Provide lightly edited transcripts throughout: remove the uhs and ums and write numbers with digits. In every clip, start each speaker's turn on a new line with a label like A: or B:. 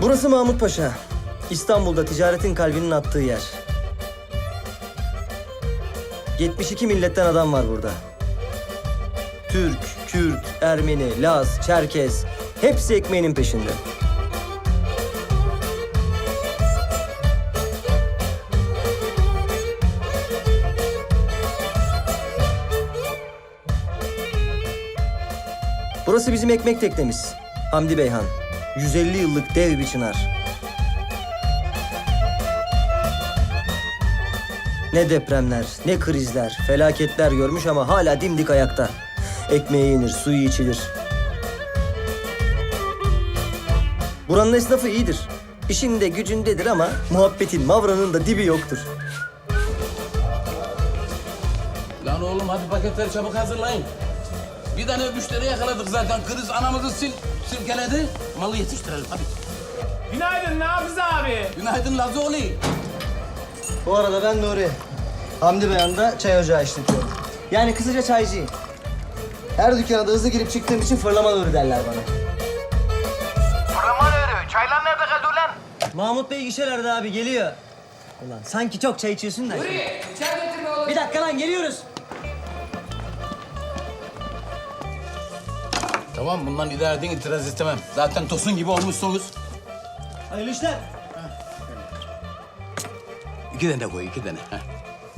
A: Burası Mahmut Paşa. İstanbul'da ticaretin kalbinin attığı yer. 72 milletten adam var burada. Türk, Kürt, Ermeni, Laz, Çerkez hepsi ekmeğinin peşinde. Burası bizim ekmek teknemiz. Hamdi Beyhan. 150 yıllık dev bir çınar. Ne depremler, ne krizler, felaketler görmüş ama hala dimdik ayakta. Ekmeği yenir, suyu içilir. Buranın esnafı iyidir. İşinde gücündedir ama muhabbetin, mavranın da dibi yoktur.
B: Lan oğlum hadi paketleri çabuk hazırlayın. Bir tane müşteri yakaladık zaten. Kriz anamızı silkeledi. Malı yetiştirelim hadi.
C: Günaydın Nafiz abi.
B: Günaydın Lazoli.
A: Bu arada ben Nuri. Hamdi Beyhan'da çay ocağı işletiyorum. Yani kısaca çaycıyım. Her dükkana da hızlı girip çıktığım için fırlama Nuri derler bana.
C: Fırlama Nuri. Çaylar nerede kaldı ulan?
A: Mahmut Bey gişelerde abi geliyor. Ulan sanki çok çay içiyorsun da.
D: Nuri, çay getirme oğlum.
A: Bir dakika lan geliyoruz.
B: Tamam bundan idare edin, itiraz istemem. Zaten tosun gibi olmuşsunuz.
A: Hayırlı işler.
B: 2 tane koy, 2 tane. Heh.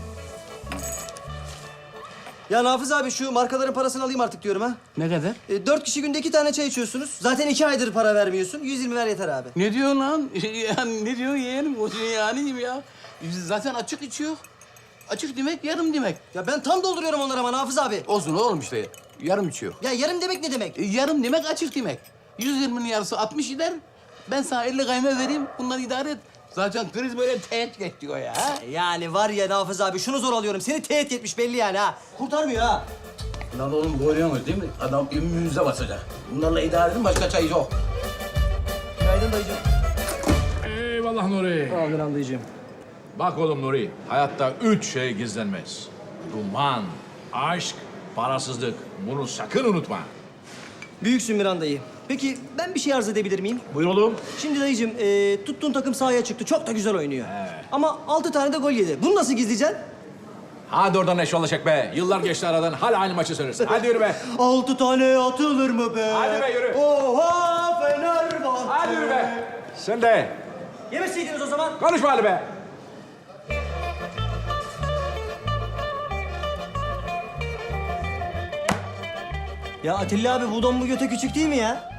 A: Ya Nafiz abi şu markaların parasını alayım artık diyorum ha.
B: Ne kadar?
A: 4 kişi günde 2 tane çay içiyorsunuz. Zaten 2 aydır para vermiyorsun. 120 ver yeter abi.
B: Ne diyorsun lan? Yani ne diyorsun yeğenim? O yani gibi ya. Biz zaten açık içiyor. Açık demek yarım demek.
A: Ya ben tam dolduruyorum onlara ama Nafiz abi.
B: Olsun oğlum işte. Yarım içiyor.
A: Ya yarım demek ne demek?
B: Yarım demek açık demek. 120'nin yarısı 60 gider. Ben sana 50 kayma vereyim. Bunları idare et. Zaten kriz böyle teğet geçiyor ya. Ha?
A: Yani var ya Nafiz abi şunu zor alıyorum. Seni teğet etmiş belli yani ha. Kurtarmıyor ha.
B: Lan oğlum görüyorsunuz değil mi? Adam ümrünüze basacak. Bunlarla idare edin başka çay yok.
A: Günaydın dayıcığım.
E: Eyvallah Nuri.
A: Tamamdır dayıcığım.
E: Bak oğlum Nuri, hayatta 3 şey gizlenmez. Duman, aşk, parasızlık. Bunu sakın unutma.
A: Büyüksün Miran dayı. Peki ben bir şey arz edebilir miyim?
E: Buyur oğlum.
A: Şimdi dayıcığım tuttuğun takım sahaya çıktı. Çok da güzel oynuyor. Ama 6 tane de gol yedi. Bunu nasıl gizleyeceksin?
E: Hadi oradan eşyalaşak be. Yıllar geçti aradan, hala aynı maçı söylüyorsun. Hadi yürü be.
A: 6 tane atılır mı be?
E: Hadi be, yürü.
A: Oha Fenerbahçe.
E: Hadi yürü be. Sen de.
A: Yemeseydiniz o zaman.
E: Konuşma hadi be.
A: Ya Atilla abi bu don bu göte küçük değil mi ya?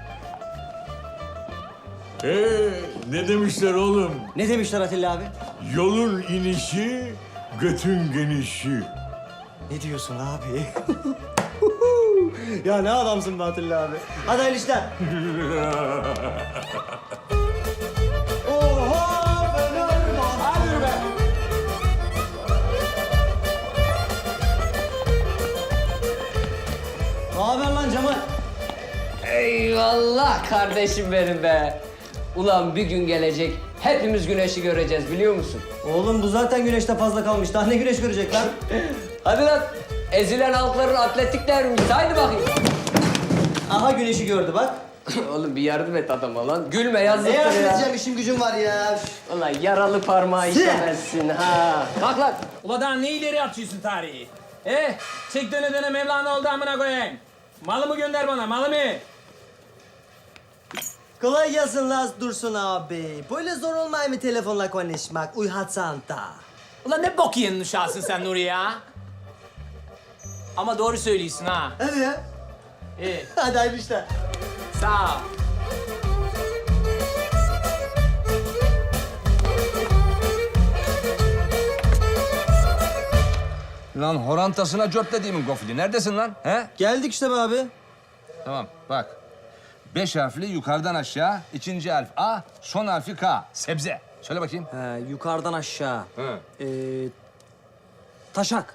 F: Ne demişler oğlum?
A: Ne demişler Atilla abi?
F: Yolun inişi, götün genişi.
A: Ne diyorsun abi? Ya ne adamsın be Atilla abi. Hadi hayırlı işler. Oha Fenerbahçe.
E: Hadi yürü be.
A: Ne haber lan Cemal?
D: Eyvallah kardeşim benim be. Ulan bir gün gelecek, hepimiz güneşi göreceğiz biliyor musun?
A: Oğlum bu zaten güneşte fazla kalmış. Daha ne güneş görecek lan?
D: Hadi lan, ezilen halkların atletikler mi? Haydi bakayım.
A: Aha güneşi gördü bak.
D: Oğlum bir yardım et adama lan. Gülme
A: Ne
D: yazıktır
A: yardım
D: ya.
A: edeceğim işim gücüm var ya.
D: Ulan yaralı parmağı işemezsin ha. Kalk lan.
C: Ula daha ne ileri atıyorsun tarihi? Çek döne döne Mevlana oldu amına koyayım. Malımı gönder bana, malımı.
A: Kolay gelsin Laz Dursun abi. Böyle zor olmuyor mu telefonla konuşmak? Uyhatsan da.
C: Ulan ne bok yiyen uşağısın sen Nuri ya. Ama doğru söylüyorsun ha.
A: Hadi ya.
C: İyi,
A: Hadi hayırlı işler.
C: sağ ol.
G: Lan horantasına cört dediğimin gofili. Neredesin lan? He?
A: Geldik işte be abi.
G: Tamam bak. 5 harfli yukarıdan aşağı, ikinci harf A, son harfi K. Sebze. Söyle bakayım.
A: He, yukarıdan aşağı.
G: He.
A: Taşak.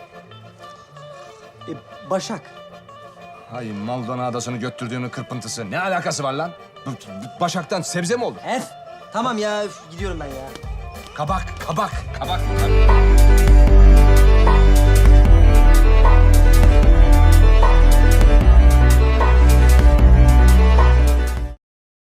A: Başak.
G: Hay Maldonados'unu götürdüğünün kırpıntısı. Ne alakası var lan? Başaktan sebze mi olur?
A: F. Tamam ya, gidiyorum ben ya.
G: Kabak, kabak, kabak.